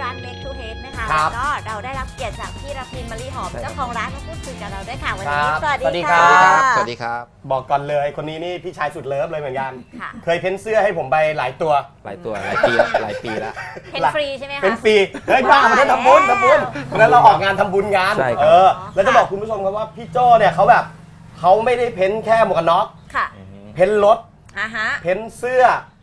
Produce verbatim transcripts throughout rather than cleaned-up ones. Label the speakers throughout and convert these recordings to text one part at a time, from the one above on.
Speaker 1: ร้าน Make to Head นะคะ
Speaker 2: ครั
Speaker 1: แล้
Speaker 2: บ
Speaker 1: วก็เราได้รับเกียรติจากพี่รพินมะลิหอม
Speaker 3: ใช่
Speaker 1: เจ้าของร้านมาพูดคุยกับเราด้วยค่ะวัน
Speaker 2: ค
Speaker 1: นี้
Speaker 2: รับ
Speaker 1: สวัส
Speaker 2: สวัสดี
Speaker 1: ดี
Speaker 2: ครั
Speaker 1: ค่ะ
Speaker 2: บ
Speaker 3: สวัสดีครับ
Speaker 2: บอกก่อนเลยคนนี้นี่พี่ชายสุดเลิฟเลยเหมือนกัน
Speaker 1: ค่ะ
Speaker 2: เคยเพ้นเสื้อให้ผมไปหลายตัว
Speaker 3: หลายตัวหลายปีแล้วหลายปีแล้ว
Speaker 1: เห็นฟรีใช่ไหมคะ
Speaker 2: เป็นฟรีเฮ้ยบ้ามันได้ทำบุญทำบุญเพราะฉะนั้นเราออกงานทำบุญงาน
Speaker 3: ใช่ครับ
Speaker 2: เออแล้วจะบอกคุณผู้ชมครับว่าพี่โจ้เนี่ยเขาแบบเขาไม่ได้เพ้นแค่หมวกกันน็อก
Speaker 1: ค่ะ
Speaker 2: เพ้นรถ
Speaker 1: อ่าฮะ
Speaker 2: เพ้นเสื้อก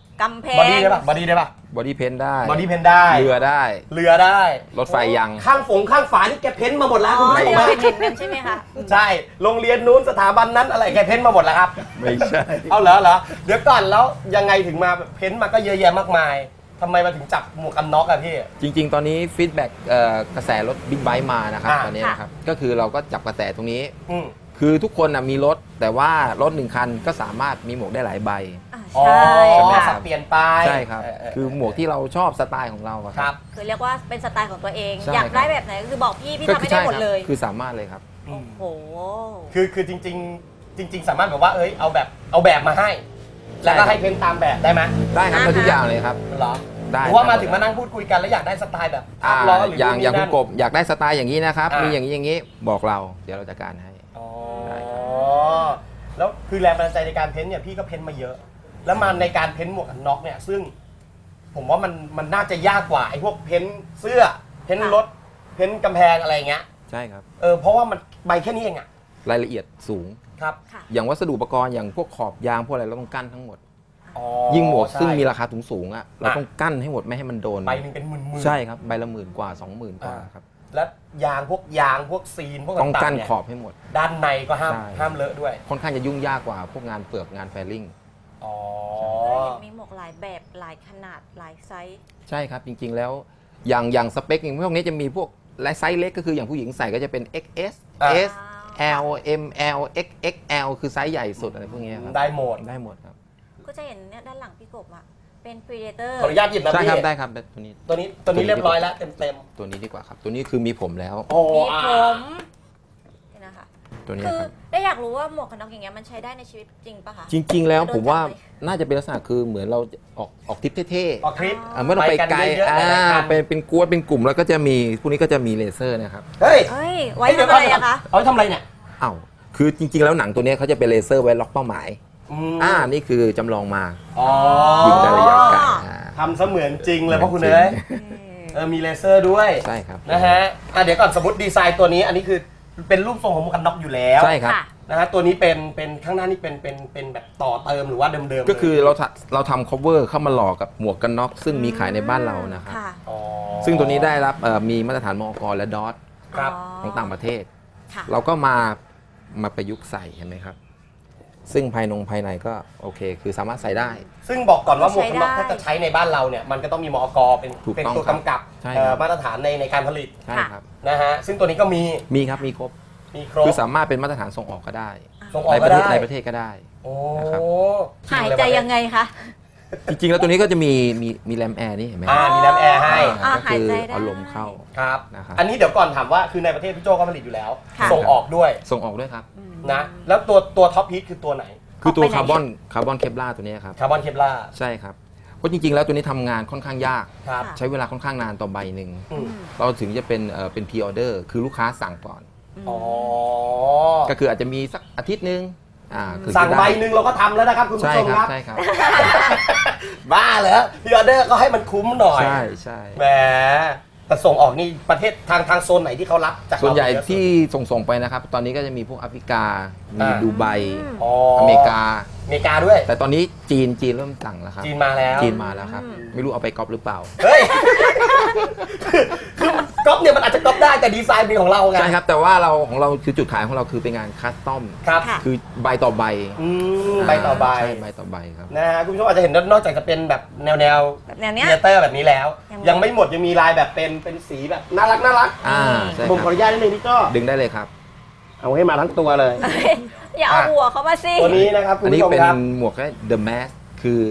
Speaker 1: ำแพ
Speaker 2: บอง ดี้ได้ปะบอดี้ได้ปะ
Speaker 3: บอดี้เพนได้
Speaker 2: บอดี้เพ้นได้
Speaker 3: เรือได้
Speaker 2: เรือได้
Speaker 3: รถไฟยัง
Speaker 2: ข้างฝงข้างฝานี่แกเพ้นมาหมดแล้ว
Speaker 1: อ๋
Speaker 2: คุณ
Speaker 1: อ
Speaker 2: ผู้ช
Speaker 1: เดี๋
Speaker 2: ม
Speaker 1: ยว
Speaker 2: นะ
Speaker 1: เห็นเห็นกันใช่ไหมคะ
Speaker 2: ใช่โรงเรียนนู้นสถาบันนั้นอะไรแกเพ้นมาหมดแล้วครับ
Speaker 3: ไม่ใช่
Speaker 2: เอาเหรอเหรอเดี๋ยวก่อนแล้วยังไงถึงมาเพ้นมาก็เยอะแยะมากมายทำไมมาถึงจับหมวกกันน็อกอะพี่
Speaker 3: จริง ๆ ตอนนี้ฟีดแบ็กกระแสรถบิ๊กไบค์มานะครับ
Speaker 2: อ่า
Speaker 3: ตอนนี้นะครับก็คือเราก็จับกระแสตรงนี้
Speaker 2: อืม
Speaker 3: คือทุกคนนะมีรถแต่ว่ารถหนึ่งคันก็สามารถมีหมวกได้หลายใบ
Speaker 1: อ่า
Speaker 2: อ๋อ
Speaker 1: ใช่
Speaker 3: ใช่ไหม
Speaker 1: ค่ะ
Speaker 2: สับเปลี่ยนไป
Speaker 3: ใช่ครับ
Speaker 2: เเ
Speaker 3: คือหมวกที่เราชอบสไตล์ของเราอะ
Speaker 2: ครับ
Speaker 1: คือเรียกว่าเป็นสไตล์ของตัวเอง
Speaker 3: ใช่
Speaker 1: อยาก
Speaker 3: ครับ
Speaker 1: ได้แบบไหนก็คือบอกพี่พี่
Speaker 3: ก็
Speaker 1: ทำ
Speaker 3: คื
Speaker 1: ให้
Speaker 3: อ
Speaker 1: ได้
Speaker 3: ใช่
Speaker 1: หมด
Speaker 3: ครับ
Speaker 1: เลย
Speaker 3: คือสามารถเลยครับ
Speaker 1: โอ้โห
Speaker 2: คือคือจริง ๆ จริง ๆ สามารถแบบว่าเอ้ยเอาแบบเอาแบบมาให้ แล้วก็ให้เพ้นตามแบบได้ไหม
Speaker 3: ได้ครับ
Speaker 1: อ่า
Speaker 3: ได้ทุก
Speaker 1: ฮะ
Speaker 3: อย่างเลยครับ
Speaker 2: เหรอ
Speaker 3: ได้
Speaker 2: หรือว่า
Speaker 3: ครับ
Speaker 2: มาถึงมานั่งพูดคุยกันแล้วอยากได้สไตล์แบบภา
Speaker 3: อ่า
Speaker 2: พล้อหรือ
Speaker 3: อย่าง
Speaker 2: นู่น
Speaker 3: อย่าง
Speaker 2: นี่
Speaker 3: คุณ
Speaker 2: นั่น
Speaker 3: กบอยากได้สไตล์อย่างนี้นะครับ
Speaker 2: อ่ามี
Speaker 3: มีอย่างนี้อย่างนี้บอกเราเดี๋ยวเราจัดการให้
Speaker 2: อ๋อ
Speaker 3: ได้ครับ
Speaker 2: แล้วคือแรงบันดาลใจในการเพ้นเนี่ยพี่ก็เพ้นมาเยอะ แล้วมาในการเพ้นหมวกกันน็อกเนี่ยซึ่ง ผมว่ามันมันน่าจะยากกว่าไอ้พวกเพ้นเสื้อ เพ้นรถ เพ้นกำแพงอะไรอย่างเงี้ย
Speaker 3: ใช่ครับ
Speaker 2: เออเพราะว่ามันใบแค่นี้เองอะ
Speaker 3: รายละเอียดสูง
Speaker 2: ครับ
Speaker 1: ค่ะ
Speaker 3: อย่างวัสดุอุปกรณ์อย่างพวกขอบยางพวกอะไรเราต้องกั้นทั้งหมด
Speaker 2: อ๋อ
Speaker 3: ยิ่งหมวก
Speaker 2: ใช่
Speaker 3: ซึ่งมีราคาสูงๆอ่ะเราต้องกั้นให้หมดไม่ให้มันโดน
Speaker 2: ใบหนึ่งเป็นหมื่นๆ
Speaker 3: ใช่ครับใบละหมื่นกว่าสองหมื่นกว่า
Speaker 2: อ่า
Speaker 3: ครับ
Speaker 2: แล้วยางพวกยางพวกซีนพวก
Speaker 3: ต้อง
Speaker 2: ต่า
Speaker 3: กั้
Speaker 2: ง
Speaker 3: น
Speaker 2: ๆเนี่ย
Speaker 3: ขอบให้หมด
Speaker 2: ด้านในก็ห้าม
Speaker 3: ใช่
Speaker 2: ห้ามเลอะด้วย
Speaker 3: ค่อนข้างจะยุ่งยากกว่าพวกงานเปลือกงานแฟลลิ่ง
Speaker 2: อ๋อ
Speaker 1: แล้วเห็นมีหมวกหลายแบบหลายขนาดหลายไซส์
Speaker 3: ใช่ครับจริงๆแล้วอย่างอย่างสเปคอย่างพวกนี้จะมีพวกและไซส์เล็กก็คืออย่างผู้หญิงใส่ก็จะเป็น เอ็กซ์ เอส
Speaker 2: อ่า
Speaker 3: S L M L X X L คือไซส์ใหญ่สุดอะไรพวกนี้ครับ
Speaker 2: ได้หมด
Speaker 3: ได้หมดครับ
Speaker 1: ก็จะเห็นเนี่ยด้านหลังพี่กบอะเป็น Predator
Speaker 2: ขออนุญาตหยิบนะ
Speaker 3: ใช่
Speaker 2: พี่
Speaker 3: ครับได้ครับตัวนี้
Speaker 2: ตัวนี้ตัวนี้เรียบร้อยแล้วเต็มเต็ม
Speaker 3: ตัวนี้ดีกว่าครับ ตัวนี้คือมีผมแล้ว
Speaker 2: ๆโอ้
Speaker 1: มี
Speaker 2: อ่า
Speaker 1: ผมนี่นะคะ
Speaker 3: ตัวนี้
Speaker 1: คือ
Speaker 3: ครับ
Speaker 1: ได้อยากรู้ว่าหมวกกันน็อกอย่างเงี้ยมันใช้ได้ในชีวิตจริงปะคะ
Speaker 3: จริง ๆ แล้ว
Speaker 1: โดน
Speaker 3: ผมว่า
Speaker 1: จับไหม
Speaker 3: น่าจะเป็นลักษณะคือเหมือนเราออกออกทริปเท่
Speaker 2: ออกทริป
Speaker 3: ๆอ่าไม่ต้องไปไกล
Speaker 2: ไปกันเยอะๆ
Speaker 3: อ่า
Speaker 2: หลายๆคัน
Speaker 3: เป็นเป็นกวนเป็นกลุ่มแล้วก็จะมีพวกนี้ก็จะมีเลเซอร์นะครับ
Speaker 2: เฮ้ย
Speaker 1: เฮ้ย ไว้
Speaker 2: เดี๋ย
Speaker 1: ทำอะไรอะคะ
Speaker 2: เอาไว้ทำอะไรเนี่ย
Speaker 3: อ้าวคือจริง ๆ แล้วหนังตัวเนี้ยเขาจะเป็นเลเซอร์ไว้ล็อกเป้าหมาย
Speaker 2: ม
Speaker 3: อ่านี่คือจำลองมา
Speaker 2: อ๋อ
Speaker 3: ยิงได้ระยะไกลอ่า
Speaker 2: ทำเสมือนจริงเลย
Speaker 3: เหมือน
Speaker 2: เพราะคุณ
Speaker 3: จริง
Speaker 2: เอ้ย
Speaker 1: อืม
Speaker 2: เออมีเลเซอร์ด้วย
Speaker 3: ใช่ครับ
Speaker 2: นะฮะอ่ะเดี๋ยวก่อนสมมติดีไซน์ตัวนี้อันนี้คือเป็นรูปทรงของหมวกกันน็อกอยู่แล้ว
Speaker 3: ใช่ครับ
Speaker 1: ค่ะ
Speaker 2: นะฮะตัวนี้เป็นเป็นข้างหน้านี่เป็นเป็นเป็นแบบต่อเติมหรือว่าเดิมๆเลย
Speaker 3: ก็คือเราทำเราทำ cover เข้ามาหลอกกับหมวกกันน็อกซึ่งมีขายในบ้านเรานะครับ
Speaker 1: ค่ะ
Speaker 2: อ๋อ
Speaker 3: ซึ่งตัวนี้ได้รับเอ่อมีมาตรฐานมอก และดอท
Speaker 2: ครับ
Speaker 3: ของต่างประเทศ
Speaker 1: ค่ะ
Speaker 3: เราก็มามาประยุกต์ใส่เห็นไหมครับ ซึ่งภายนงภายในก็โอเค คือสามารถใส่ได้
Speaker 2: ซึ่งบอกก่อนว่าหมวกกันน็อก
Speaker 1: ใช้ได้
Speaker 2: ถ้าจะใช้ในบ้านเราเนี่ยมันก็ต้องมีมอกเป็น
Speaker 3: ถูก
Speaker 2: เป็น
Speaker 3: ต้อง
Speaker 2: ตัว
Speaker 3: ครับ
Speaker 2: กำกับ
Speaker 3: ใช่
Speaker 2: เอ่อ
Speaker 3: ครับ
Speaker 2: มาตรฐานในในการผลิต
Speaker 3: ใช่ครับ
Speaker 2: นะฮะซึ่งตัวนี้ก็มี
Speaker 3: มีครับมีครบ
Speaker 2: มีครบ
Speaker 3: คือสามารถเป็นมาตรฐานส่งออกก็ได้
Speaker 2: ส่งออก
Speaker 3: ในป
Speaker 2: ก็
Speaker 3: ระเทศ
Speaker 2: ได้
Speaker 3: ในประเทศก็ได้
Speaker 2: โอ้
Speaker 3: นะครับ
Speaker 1: หายใจยังไงคะ
Speaker 3: จริงๆแล้วตัวนี้ก็จะมีมีมีแรมแอร์นี่เห็นไหม
Speaker 2: อ่ามีแรมแอร์ให้
Speaker 1: อ่า
Speaker 3: ก็คือ
Speaker 1: หายใจได้
Speaker 3: เอาลมเข้า
Speaker 2: ครับ
Speaker 3: นะครับ
Speaker 2: อันนี้เดี๋ยวก่อนถามว่าคือในประเทศพี่โจก็ผลิตอยู่แล้ว
Speaker 1: ค่ะ
Speaker 2: ส่งออกด้วย
Speaker 3: ส่งออกด้วยครับ
Speaker 2: นะแล้วตัวตัวท็อปฮิตคือตัวไหน
Speaker 3: คือตัว
Speaker 1: ออกไปไหน
Speaker 3: คาร์บอนคาร์บอนเคปลาตัวนี้ครับ
Speaker 2: คาร์บอนเคปลา
Speaker 3: ใช่ครับเพราะจริงๆแล้วตัวนี้ทำงานค่อนข้างยาก
Speaker 2: ครับ
Speaker 1: ค่ะ
Speaker 3: ใช้เวลาค่อนข้างนานต่อใบหนึ่ง
Speaker 2: อืม
Speaker 3: เราถึงจะเป็นเอ่อเป็นพรีออเดอร์คือลูกค้าสั่งก่อน
Speaker 2: อ๋อ
Speaker 3: ก็คืออาจจะมีสักอาทิตย์หนึงอ่าคือ
Speaker 2: สั่ง
Speaker 3: จะ
Speaker 2: ใบ
Speaker 3: ได้
Speaker 2: หนึ่งเราก็ทำแล้วนะครับคุณ
Speaker 3: ใช่
Speaker 2: ผู้ชม
Speaker 3: ค
Speaker 2: ครับ รับ
Speaker 3: ใช่ครับ
Speaker 2: บ้าเหรอพรีออเดอร์ก็ให้มันคุ้มหน่อย
Speaker 3: ใช่ใช่
Speaker 2: แหมแต่ส่งออกนี่ประเทศทางทางโซนไหนที่เขารับจากเรา
Speaker 3: ส่วนใหญ่
Speaker 2: เยอะสุด
Speaker 3: ที่ส่งส่งๆไปนะครับ ตอนนี้ก็จะมีพวกแอฟริกา มี
Speaker 2: อ่า
Speaker 3: ดูไบ
Speaker 2: อ๋อ
Speaker 3: อเมริกา
Speaker 2: อเมริกาด้วย
Speaker 3: แต่ตอนนี้จีนจีนเริ่มสั่งแล้วครับ
Speaker 2: จีนมาแล้ว
Speaker 3: จีนมาแล้วครับ ไม่รู้เอาไปก๊อปหรือเปล่า
Speaker 2: เฮ้ย คือก๊อปเนี่ยมันอาจจะก๊อปได้แต่ดีไซน์เป็นของเราไง
Speaker 3: ใช่ครับ แต่ว่าเราของเราคือจุดขายของเราคือเป็นงานคัสตอม
Speaker 2: ครับ
Speaker 1: ค่ะ
Speaker 3: คือใบต่อใบ
Speaker 2: อืมใบต่อใบ
Speaker 3: ใช่ใบต่อใบครับ
Speaker 2: นะฮะคุณผู้ชมอาจจะเห็นนอกจากจะเป็นแบบแนวแนว
Speaker 1: แบบแนวเนี้ย
Speaker 2: เทเตอร์แบบนี้แล้ว
Speaker 1: ยังมี
Speaker 2: ยังไม่หมดยังมีลายแบบเป็นเป็นสีแบบน่ารักน่ารัก
Speaker 3: อ่าใช่
Speaker 2: ผม
Speaker 3: ค
Speaker 2: ขอ
Speaker 3: รับ
Speaker 2: อนุญาตนิดนึงพี่ก็
Speaker 3: ดึงได้เลยครับ
Speaker 2: เอาให้มาทั้งตัวเลย
Speaker 1: อย่าเอาหัวเขามาสิ
Speaker 2: ตัวนี้นะครับคุ
Speaker 3: อั
Speaker 2: ณ
Speaker 3: นนี้
Speaker 2: ผู้ชม
Speaker 3: เป็น
Speaker 2: ครับ
Speaker 3: หมวกแค่ The Mask คือ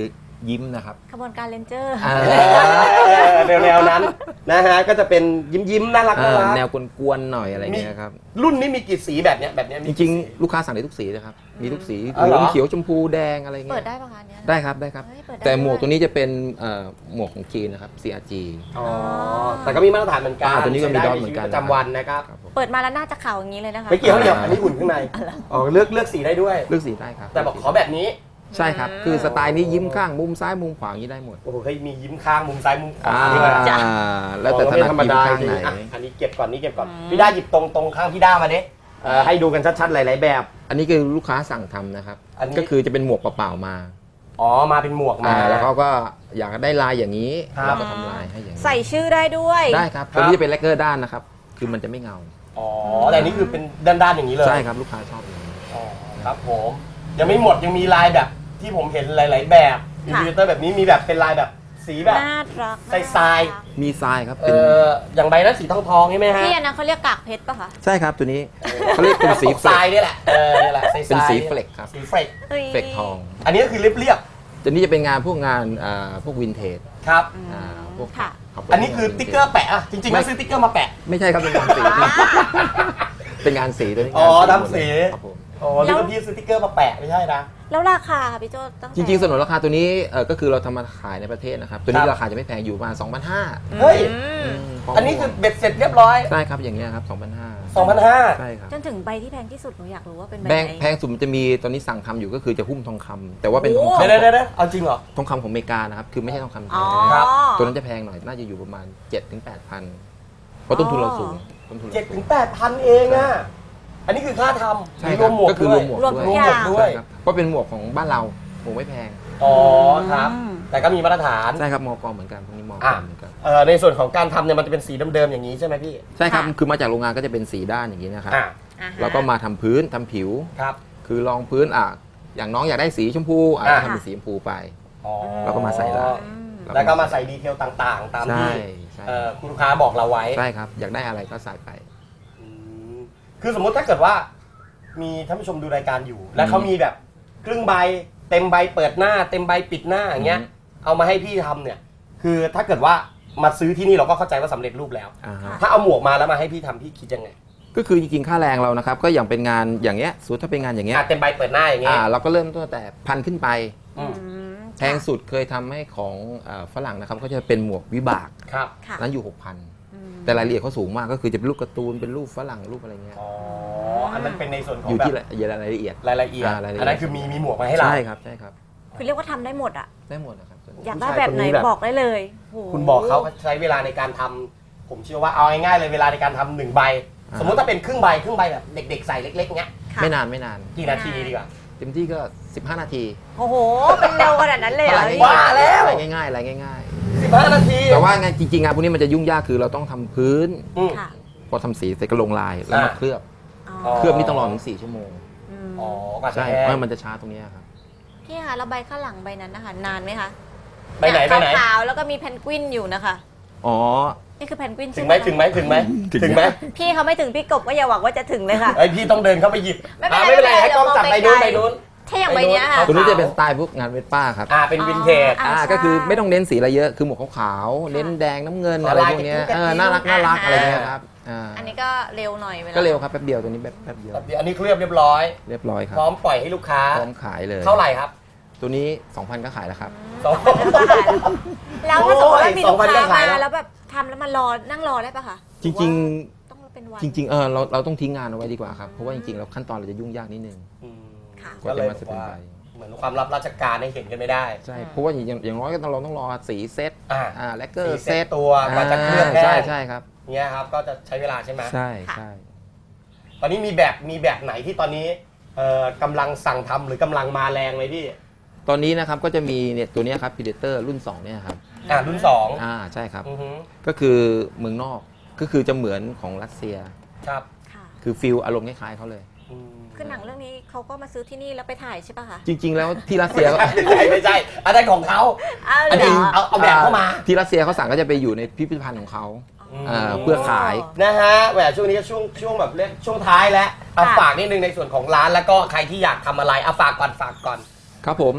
Speaker 3: ยิ้มนะครับ
Speaker 1: ขบวนการเลนเจอร์
Speaker 3: อ่า
Speaker 2: แนวแนวๆนั้นนะฮะก็จะเป็นยิ้มยิ้มๆน่ารัก
Speaker 3: เอ
Speaker 2: น่า
Speaker 3: อ
Speaker 2: รัก
Speaker 3: แนวกวนๆหน่อยอะไรเงี้ยครับ
Speaker 2: รุ่นนี้มีกี่สีแบบเนี้ยแบบเนี้ยมี
Speaker 3: จ
Speaker 2: กี่
Speaker 3: ริง
Speaker 2: สี
Speaker 3: ๆ ลูกค้าสั่งได้ทุกสีนะครับมีทุกสี
Speaker 2: อ๋อ
Speaker 3: เห
Speaker 2: เหร
Speaker 3: ลื
Speaker 2: อ
Speaker 3: องเขียวชมพูแดงอะไรเงี้ย
Speaker 1: เปิดได้ปะคะเนี่ย
Speaker 3: ได้ครับได้ครับ
Speaker 1: เฮ้ยเปิดได้
Speaker 3: แต่หมวก
Speaker 1: ด้วย
Speaker 3: ตัวนี้จะเป็นเอ่อหมวกของจีนนะครับ ซี อาร์ จี
Speaker 2: อ๋อแต่ก็มีมาตรฐานเหมือนกัน
Speaker 3: อ่าตัวนี้ก็มี
Speaker 2: ใช้
Speaker 3: ดอท
Speaker 2: ใชี
Speaker 3: เหมือนกัน
Speaker 2: ประจำวันนะครับ
Speaker 3: ครับผม
Speaker 1: เปิดมาแล้วน่าจะขาวอย่างนี้เลยนะคะ
Speaker 2: ไม่เกี่ยวเดี๋ยวอันนี้อุ่นข้างในอ๋อเลือกเลือกสีได้ด้วย
Speaker 3: เลือกสีได้ครับ
Speaker 2: แต่บอกขอแบบนี้
Speaker 3: ใช่ครับ คือสไตล์นี้ยิ้มข้างมุมซ้ายมุมขวาอย่างนี้ได้หมด
Speaker 2: โอ้โหเฮ้ยมียิ้มข้างมุมซ้ายมุมขวา
Speaker 3: อ่า
Speaker 2: ด้วย
Speaker 3: แล้วแต่ถนัด
Speaker 2: ธรรม
Speaker 3: ยิ้ม
Speaker 2: ดา
Speaker 3: ข้าง
Speaker 2: จริง
Speaker 3: ไหน
Speaker 2: อ่ะอันนี้เก็บก่อนนี่เก็บก่อนพี่ด้าหยิบตรงตรงข้างพี่ด้ามาดิเอ่อให้ดูกันชัดๆหลายๆแบบ
Speaker 3: อันนี้คือลูกค้าสั่งทำนะครับ
Speaker 2: อันนี้
Speaker 3: ก็คือจะเป็นหมวกเปล่าๆมา
Speaker 2: อ๋อมาเป็นหมวกมา
Speaker 3: อ่าแล้วเขาก็อยากได้ลายอย่างนี้
Speaker 2: ครับ
Speaker 3: เราก็ทำลายให้อย่างนี้
Speaker 1: ใส่ชื่อได้ด้วย
Speaker 3: ได้ครับ
Speaker 2: ครับ
Speaker 3: ตัวนี้จะเป็นแลกเกอร์ด้านนะครับ คือมันจะไม่เงา
Speaker 2: อ๋อแต่อันนี้คือเป็นด้านๆอย่างนี้เลย
Speaker 3: ใช่ครับลูกค้าชอบอย่างนี้
Speaker 2: อ๋อครับผมยังไม่หมดยังมีลายแบบที่ผมเห็นหลาย ๆ แบบอิน
Speaker 1: ค่ะ
Speaker 2: ฟิวเตอร์แบบนี้มีแบบเป็นลายแบบสีแบบ
Speaker 1: น่ารัก
Speaker 2: ใส่ทราย
Speaker 1: น่รัก
Speaker 3: มีทรายครับ
Speaker 2: เอ
Speaker 3: เป็น
Speaker 2: ออย่างใบนั้นสีทองทองๆใช่ไหมฮะ
Speaker 1: พี่อันนั้นเขาเรียกกากเพชรปะคะ
Speaker 3: ใช่ครับตัวนี้เขาเรียกเป็นสี
Speaker 2: สี
Speaker 3: เฟ
Speaker 2: ท
Speaker 3: ล
Speaker 2: ราย
Speaker 3: ก
Speaker 2: นี่แหละเออนี่แหละใส่ท
Speaker 3: เป็น
Speaker 2: ราย
Speaker 3: สีเฟลกครับ
Speaker 2: สีเฟลก
Speaker 1: ฮ้ย
Speaker 3: เฟลกทอง
Speaker 2: อันนี้ก็คือเรียบ
Speaker 3: ตัวนี้จะเป็นงานพวกงานอ่าพวกวินเทจ
Speaker 2: ๆครับ
Speaker 1: อืม
Speaker 3: อ่าพวก
Speaker 1: ค่ะ
Speaker 3: ครับ
Speaker 2: อันนี้คือติ๊กเกอร์แปะอะจริงๆแล้วซื้อติ๊กเกอร์มาแปะ
Speaker 3: ไม่ใช่ครับเป็นงานสี เป็นงานสีตัวนี้
Speaker 2: อ๋อง
Speaker 3: าน
Speaker 2: ทำสี
Speaker 3: ครับผม
Speaker 2: อ๋อนึกว่าพี่ซื้อติ๊กเกอร์มาแปะไม่ใช่นะ
Speaker 1: แล้วราคาค่ะพี่โจตั้งแต่
Speaker 3: จริงๆสนุนราคาตัวนี้เออก็คือเราทำมาขายในประเทศนะครับ ตัวนี้
Speaker 2: ครับ
Speaker 3: ราคาจะไม่แพงอยู่ประมาณ สองพันห้าร้อย
Speaker 2: เฮ้ย
Speaker 1: อืม
Speaker 2: อันนี้คือเบ็ดเสร็จเรียบร้อย
Speaker 3: ใช่ครับอย่างเงี้ยครับ สองพันห้าร้อย
Speaker 2: สองพันห้าร้อย
Speaker 3: ใช่ครับ
Speaker 1: จนถึงใบที่แพงที่สุดหนูอยากรู้ว่าเป็นใบ
Speaker 3: แพง
Speaker 1: ไหน
Speaker 3: แพงสุดมันจะมีตอนนี้สั่งทำอยู่ก็คือจะหุ้มทองคำแต่ว่าเป็นทอง
Speaker 1: โอ้
Speaker 3: คำ
Speaker 2: เดี๋ยวเดี๋ยวเดี๋ยวเอาจริงเหรอ
Speaker 3: ทองคำของอเมริกานะครับคือไม่ใช่ทองคำแท้
Speaker 1: อ๋อ
Speaker 2: ครับ
Speaker 3: ตัวนั้นจะแพงหน่อยน่าจะอยู่ประมาณ เจ็ดถึงแปดพันเพราะต้นทุนเราสูงต้นทุนเรา
Speaker 2: เจ็ด
Speaker 3: สู
Speaker 2: ถึ
Speaker 3: ง
Speaker 2: งแปดพันเองอะอันนี้คือค่าทำ
Speaker 3: ใช่
Speaker 2: มี
Speaker 3: ค
Speaker 2: ร
Speaker 3: รั
Speaker 2: ว
Speaker 3: บ
Speaker 2: มหมวก
Speaker 3: ก็คือ
Speaker 2: ด้
Speaker 3: ร
Speaker 2: ว
Speaker 3: วย มหมวก
Speaker 1: รวม
Speaker 3: ด้วย
Speaker 1: ทุกอย่าง
Speaker 2: ด้วย
Speaker 3: ใช่ครับเพราะเป็นหมวกของบ้านเราหมวกไม่แพง
Speaker 2: อ๋อครับ
Speaker 1: อืม
Speaker 2: แต่ก็มีมาตรฐาน
Speaker 3: ใช่ครับมอกเหมือนกันพวกนี้มอก
Speaker 2: อ่ะ
Speaker 3: เหมือนกัน
Speaker 2: เอ่อในส่วนของการทำเนี่ยมันจะเป็นสีเดิมๆอย่างนี้ใช่ไหมพี่
Speaker 3: ใช่ครับ
Speaker 1: ค่ะ
Speaker 3: คือมาจากโรงงานก็จะเป็นสีด้านอย่างนี้นะครับ
Speaker 2: อ่า
Speaker 1: อ่าฮะ
Speaker 3: แล้วก็มาทำพื้นทำผิว
Speaker 2: ครับ
Speaker 3: คือรองพื้นอ่ะอย่างน้องอยากได้สีชมพูอ่ะ
Speaker 2: อ่า
Speaker 3: ก็ทำเป็นสีชมพูไป
Speaker 2: อ๋อ
Speaker 3: แล้วก็มาใส่ลาย
Speaker 1: อืม
Speaker 2: แล้วก็มาใส่ดีเทลต่างๆ ตาม
Speaker 3: ใช่
Speaker 2: ที่
Speaker 3: ใช่
Speaker 2: เอ่อคุณลูกค้าบอกเราไว้
Speaker 3: ใช่ครับ อยากได้อะไรก็ใส่ไป
Speaker 2: อืมคือสมมติถ้าเกิดว่ามีท่านผู้ชมดูรายการอยู่ แล้วเขามีแบบครึ่งใบเต็มใบเปิดหน้า เต็มใบปิดหน้าอย่างเงี้ย
Speaker 3: อืม
Speaker 2: เอามาให้พี่ทำเนี่ย คือถ้าเกิดว่ามาซื้อที่นี่เราก็เข้าใจว่าสำเร็จรูปแล้ว
Speaker 3: อ่าฮะ
Speaker 2: ถ้าเอาหมวกมาแล้วมาให้พี่ทำพี่คิดยังไง
Speaker 3: ก็คือจริงๆค่าแรงเรานะครับ ก็อย่างเป็นงานอย่างเงี้ยสมมุติถ้าเป็นงานอย่างเงี้ย
Speaker 2: อ่ะเต็มใบเปิดหน้าอย่างเงี้
Speaker 3: อ่าย เราก็เริ่มต้นแต่พันขึ้นไป
Speaker 2: อืม
Speaker 1: อืม
Speaker 3: แพงสุดเคยทำให้ของเอ่อฝรั่งนะครับก็จะเป็นหมวกวิบาก
Speaker 2: ครับ
Speaker 1: ค่ะ
Speaker 3: นั้นอยู่ หกพัน
Speaker 1: อืม
Speaker 3: แต่รายละเอียดเขาสูงมากก็คือจะเป็นรูปการ์ตูนเป็นรูปฝรั่งรูปอะไรเงี้ย
Speaker 2: อ๋อ อันนั้นเป็นในส่วนของ
Speaker 3: อยู่
Speaker 2: แบบ
Speaker 3: ที่รายละเอียด
Speaker 2: รายละเอียด
Speaker 3: อ่ารายละเอียด
Speaker 2: อันนั้นคือมีมีหมวกมาให้เรา
Speaker 3: ใช่ครับใช่ครับ
Speaker 1: คือเรียกว่าทำได้หมดอ่ะ
Speaker 3: ได้หมดนะครับ
Speaker 1: อยากได้แบบไหน
Speaker 2: ผู้ชายคนนี้แบบ
Speaker 1: บอกได้เลยโห
Speaker 2: คุณบอกเขาใช้เวลาในการทำผมเชื่อว่าเอาง่ายๆเลยเวลาในการทำหนึ่งใบ
Speaker 3: อ่า
Speaker 2: สมมติถ้าเป็นครึ่งใบครึ่งใบแบบเด็กๆใส่เล็กๆเงี้ย
Speaker 1: ค่ะ
Speaker 3: ไม่นานไม่นาน
Speaker 2: กี่นาทีดีกว่า
Speaker 3: เต็มที่ก็ สิบห้า นาที
Speaker 1: โอ้โห เป็นเร็วขนาดนั้นเลยเหรอ
Speaker 3: อะไร
Speaker 1: พี่
Speaker 2: ว่าแล้ว
Speaker 3: อะไรง่ายๆอะไรง่าย
Speaker 2: สิบห้านาที
Speaker 3: ๆ แต่ว่างานจริงๆงานพวกนี้มันจะยุ่งยากคือเราต้องทำพื้น
Speaker 2: อืม
Speaker 1: ค่ะ
Speaker 3: พอทำสีเสร็จก็ลงลายแล้วมา
Speaker 2: อ่า
Speaker 3: เคลือบ
Speaker 1: อ๋อ
Speaker 3: เคลือบนี่ต้องรอถึงสี่ชั่วโมง
Speaker 1: ม
Speaker 2: อ๋อกว่าจะ
Speaker 3: ใช่
Speaker 2: แห้
Speaker 3: เพ
Speaker 2: ง
Speaker 3: ราะมันจะช้าตรงเนี้ยครับ
Speaker 1: พี่คะแล้วใบข้างหลังใบนั้นนะคะนานไหมคะ
Speaker 2: ใบไหนใบไหน
Speaker 1: ขาวๆแล้วก็มีเพนกวินอยู่นะคะ
Speaker 3: อ๋อ
Speaker 1: นี่คือเพนกวิน
Speaker 2: ถึ
Speaker 1: ใช่
Speaker 2: ง
Speaker 1: ไห
Speaker 2: ไห
Speaker 1: ม
Speaker 2: มถึงไหมถึงไหม
Speaker 3: ถึง
Speaker 2: ถึงไหม
Speaker 1: พี่เขาไม่ถึงพี่กบก็อย่าหวังว่าจะถึงเลยค่ะ
Speaker 2: ไอยพี่ต้องเดินเข้าไปหยิบ
Speaker 1: ไม่เป็นไร
Speaker 2: อ่าไม่เป็นไร
Speaker 1: ไม่เป็นไร
Speaker 2: ให้กล้องจับ
Speaker 1: เดี๋
Speaker 2: ไป
Speaker 1: ยวมอง
Speaker 2: นู้น
Speaker 1: ไกลๆ
Speaker 2: ไปนู้น
Speaker 1: ถ้าอย่างใบเนี้ยค่ะ
Speaker 3: ตัวนี้จะเป็นสไตล์พวกงานเวสป้าครับ
Speaker 2: อ่าเป็นวินเทจ
Speaker 1: อ๋อ
Speaker 3: อ่า
Speaker 1: ใช่
Speaker 3: ก็คือไม่ต้องเน้นสีอะไรเยอะคือหมวกขาวๆเน้นแดงน้ำเงิน
Speaker 2: อ๋อ
Speaker 3: อะไร
Speaker 2: ลาย
Speaker 3: พวกเนี้ย
Speaker 2: กระติ้ว
Speaker 3: เออน่ารักน่ารัก
Speaker 1: อ่า
Speaker 3: อะไรเงี้ยครับอ่า
Speaker 1: อันนี้ก็เร็วหน่อยลา
Speaker 3: ก็เร็วครับแป๊บเดียวตัวนี้แบบแป๊บเดียว
Speaker 2: แบบนี้อันนี้เคลือบเรียบร้อย
Speaker 3: เรียบร้อยครับ
Speaker 2: พร้อมปล่อยให้ลูกค้า
Speaker 3: พร้อมขายเลย
Speaker 2: เท่าไหร่ครับ
Speaker 3: ตัวนี้ สองพัน ก็ขายแล้วครับ
Speaker 2: สอง
Speaker 1: แล้วถ้าสมมติว่ามีลูก
Speaker 2: โอ้ย
Speaker 1: ค้า
Speaker 2: สองพันก็ขายแล้ว
Speaker 1: มาแล้วแบบทำแล้วมารอนั่งรอได้ปะคะ
Speaker 3: จริง
Speaker 1: หอว่าต้องเป็นวัน
Speaker 3: ๆ จริง ๆ เออเราเราต้องทิ้งงานเอาไว้ดีกว่าครับ เพราะว่าจริงๆแล้วขั้นตอนเราจะยุ่งยากนิดนึง
Speaker 2: อืม
Speaker 1: ค่ะ
Speaker 3: กว่าจะมาเสร็จเป็นใบ
Speaker 2: เหมือนความลับราชการให้เห็นกันไม่ได้
Speaker 3: ใช่ เพราะว่าอย่างอย่างน้อยก็ต้องเราต้องรอสีเซต
Speaker 2: อ่า
Speaker 3: อ่าแลกเกอร์
Speaker 2: สี
Speaker 3: เซ
Speaker 2: เซ็
Speaker 3: ต
Speaker 2: ตตัวกว่าจะเคลือบแห้ง
Speaker 3: ใช่ใช่ครับ
Speaker 2: เงี้ยครับก็จะใช้เวลาใช่ไหม
Speaker 3: ใช่ใช่
Speaker 2: ตอนนี้มีแบบมีแบบไหนที่ตอนนี้เอ่อกำลังสั่งทำหรือกำลังมาแรงไหมพี่
Speaker 3: ตอนนี้นะครับก็จะมีเนี่ยตัวเนี้ยครับ Predator รุ่นสองเนี่ยครับ
Speaker 2: อ่ารุ่นสอง
Speaker 3: อ่าใช่ครับ
Speaker 2: อือฮึ
Speaker 3: ก็คือเมืองนอกก็คือจะเหมือนของรัสเซีย
Speaker 2: ครับ
Speaker 1: ค่ะ
Speaker 3: คือฟิลอารมณ์คล้ายๆเขาเลย
Speaker 2: อืม
Speaker 1: คือหนังเรื่องนี้เขาก็มาซื้อที่นี่แล้วไปถ่ายใช่ปะคะ
Speaker 3: จริง ๆ แล้วที่รัสเซียก็
Speaker 2: ไม่ใช่ไม่ใช่อันนั้นของเขา
Speaker 1: อ้าว
Speaker 2: อัน
Speaker 1: เหร
Speaker 2: นี้
Speaker 1: อ
Speaker 2: เอาเอาแบบเข้ามา
Speaker 3: ที่รัสเซียเขาสั่งก็จะไปอยู่ในพิพิธภัณฑ์ของเขา อ่าเพื่อขาย
Speaker 2: นะฮะแหมช่วงนี้ก็ช่วงช่วงแบบเรียกช่วงท้ายแล้วเอาฝากนิดนึงในส่วนของร้านแล้วก็ใครที่อยากทำอะไรเอาฝากก่อนฝากก่อน
Speaker 3: ครับผม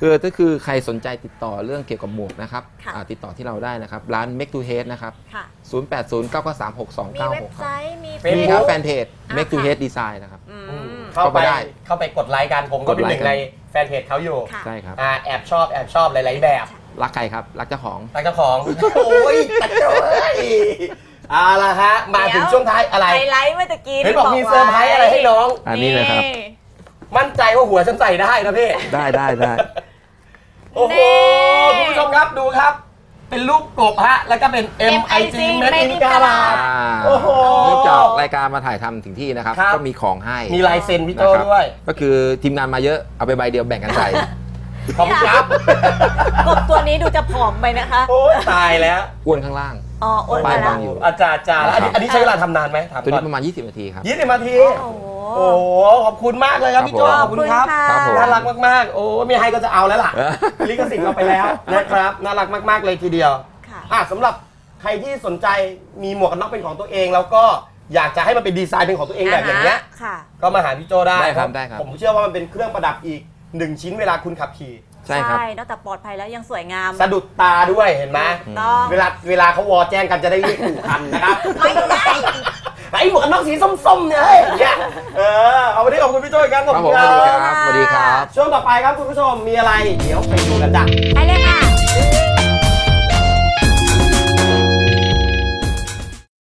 Speaker 3: คือถ้าคือใครสนใจติดต่อเรื่องเกี่ยวกับหมวกนะครับ
Speaker 1: ค่ะ
Speaker 3: อ่าติดต่อที่เราได้นะครับ ร้าน Make to Head นะครับ
Speaker 1: ค่ะ
Speaker 3: ศูนย์ แปด ศูนย์ เก้า เก้า สาม หก สอง
Speaker 1: มี
Speaker 3: เก้า
Speaker 1: เว็
Speaker 3: ห
Speaker 1: บ
Speaker 3: ก
Speaker 1: ไซ
Speaker 3: ครับ
Speaker 1: ต์มี
Speaker 2: Facebook
Speaker 3: มีครับแฟนเพจ
Speaker 1: อ่า
Speaker 3: Make to
Speaker 1: ค่ะ
Speaker 3: Head Design นะครับ
Speaker 1: อื
Speaker 2: อืม
Speaker 1: ม
Speaker 2: เข้าไป
Speaker 3: เข้าไปได้
Speaker 2: เข้าไปกดไลค์กันผมก็เป็น
Speaker 3: กด
Speaker 2: ห
Speaker 3: ไลค์
Speaker 2: นึ่งในแฟนเพจเขาอยู่
Speaker 1: ค่ะ
Speaker 3: ใช่ครับ
Speaker 2: อ่าแอบชอบแอบชอบหลายๆแบบ
Speaker 3: รักใครครับ รักเจ้าของ
Speaker 2: รักเจ้าของ โอ้ยตัดเจ้าเอ้ยเอาละฮะมาถึงช่วงท้ายอะไร
Speaker 1: ไฮไลท์เมื่อตะกี้
Speaker 2: เห็นบอกมีเซอร์ไพรส์อะไรให้น้อง
Speaker 3: อันนี้เลยครับ
Speaker 2: มั่นใจว่าหัวฉันใส่ได้นะพี่
Speaker 3: ได้ได้ได้
Speaker 2: โอ้โห คุณผู้ชมครับดูครับ เป็นรูปกบฮะ แล้วก็เป็น เอ็ม ไอ จี Made in กาลาด
Speaker 3: อ่า
Speaker 2: โอ้โห
Speaker 3: เนื่องจากรายการมาถ่ายทำถึงที่นะครับ
Speaker 2: ครับ
Speaker 3: ก็มีของให้
Speaker 2: มีลายเซ็นพี่โจ
Speaker 3: นะครับ
Speaker 2: ด้วย
Speaker 3: ก็คือทีมงานมาเยอะ เอาไปใบเดียวแบ่งกันใส่
Speaker 2: ขอบคุณครับ
Speaker 1: กบตัวนี้ดูจะผอมไปนะคะ
Speaker 2: โอ้ยตายแล้ว
Speaker 3: อ้วนข้างล่าง
Speaker 1: อ๋ออ้วน
Speaker 3: ป้าย
Speaker 1: ไปแล้
Speaker 3: บาว งอยู่
Speaker 2: อาจารย์อาจารย์แล้วอันนี้อันนี้ใช้เวลาทำนานไหมถาม
Speaker 3: ตัว
Speaker 2: ก่อ
Speaker 3: นี้
Speaker 2: น
Speaker 3: ประมาณ ยี่สิบ นาทีครับ
Speaker 2: ยี่สิบนาที
Speaker 1: โอ้โห
Speaker 2: โอ้โห ขอบคุณมากเลยครับพี่โจ
Speaker 3: ครับผม
Speaker 2: ขอบคุณครับ
Speaker 3: ครับผม
Speaker 2: น่ารักมากๆ โอ้ไม่ให้ก็จะเอาแล้วล่ะ ลิขสิทธิ์เราไปแล้วนะครับ น่ารักมากๆเลยทีเดียว
Speaker 1: ค่ะ
Speaker 2: อ่ะสำหรับใครที่สนใจมีหมวกกันน็อกเป็นของตัวเอง แล้วก็อยากจะให้มันเป็นดีไซน์เป็นของตัวเองแบบอย่างเงี้ย
Speaker 1: ค่ะ
Speaker 2: ก็มาหาพี่โจได้
Speaker 3: ได้ครับ
Speaker 2: เพาะ
Speaker 3: ได้ครับ
Speaker 2: ผมเชื่อว่ามันเป็นเครื่องประดับอีกหนึ่งชิ้นเวลาคุณขับขี่
Speaker 3: ใช่ครับ
Speaker 1: นอกจากปลอดภัยแล้วยังสวยงาม
Speaker 2: สะดุดตาด้วยเห็นไหม
Speaker 1: ต้อง
Speaker 2: เวลาเวลาเขาวอแจ้งกันจะได้เรียกถูกคันนะครับ
Speaker 1: ไม่ได้
Speaker 2: ไอ้หมวกกันน็อกสีส้มๆเนี่ยเฮ้ยอย่างเงี้ยเออเอาวันนี้ขอบคุณพี่โจอีกครั้งขอบ
Speaker 3: ครับ
Speaker 2: คุ
Speaker 3: ผม
Speaker 2: ณ
Speaker 3: สวัสดี
Speaker 2: ค
Speaker 3: ค
Speaker 2: รั
Speaker 3: รับ บสวัสดีครับ
Speaker 2: ช่วงต่อไปครับคุณผู้ชมมีอะไรเดี๋ยวไปดูกันจ้ะ
Speaker 1: ไปเลย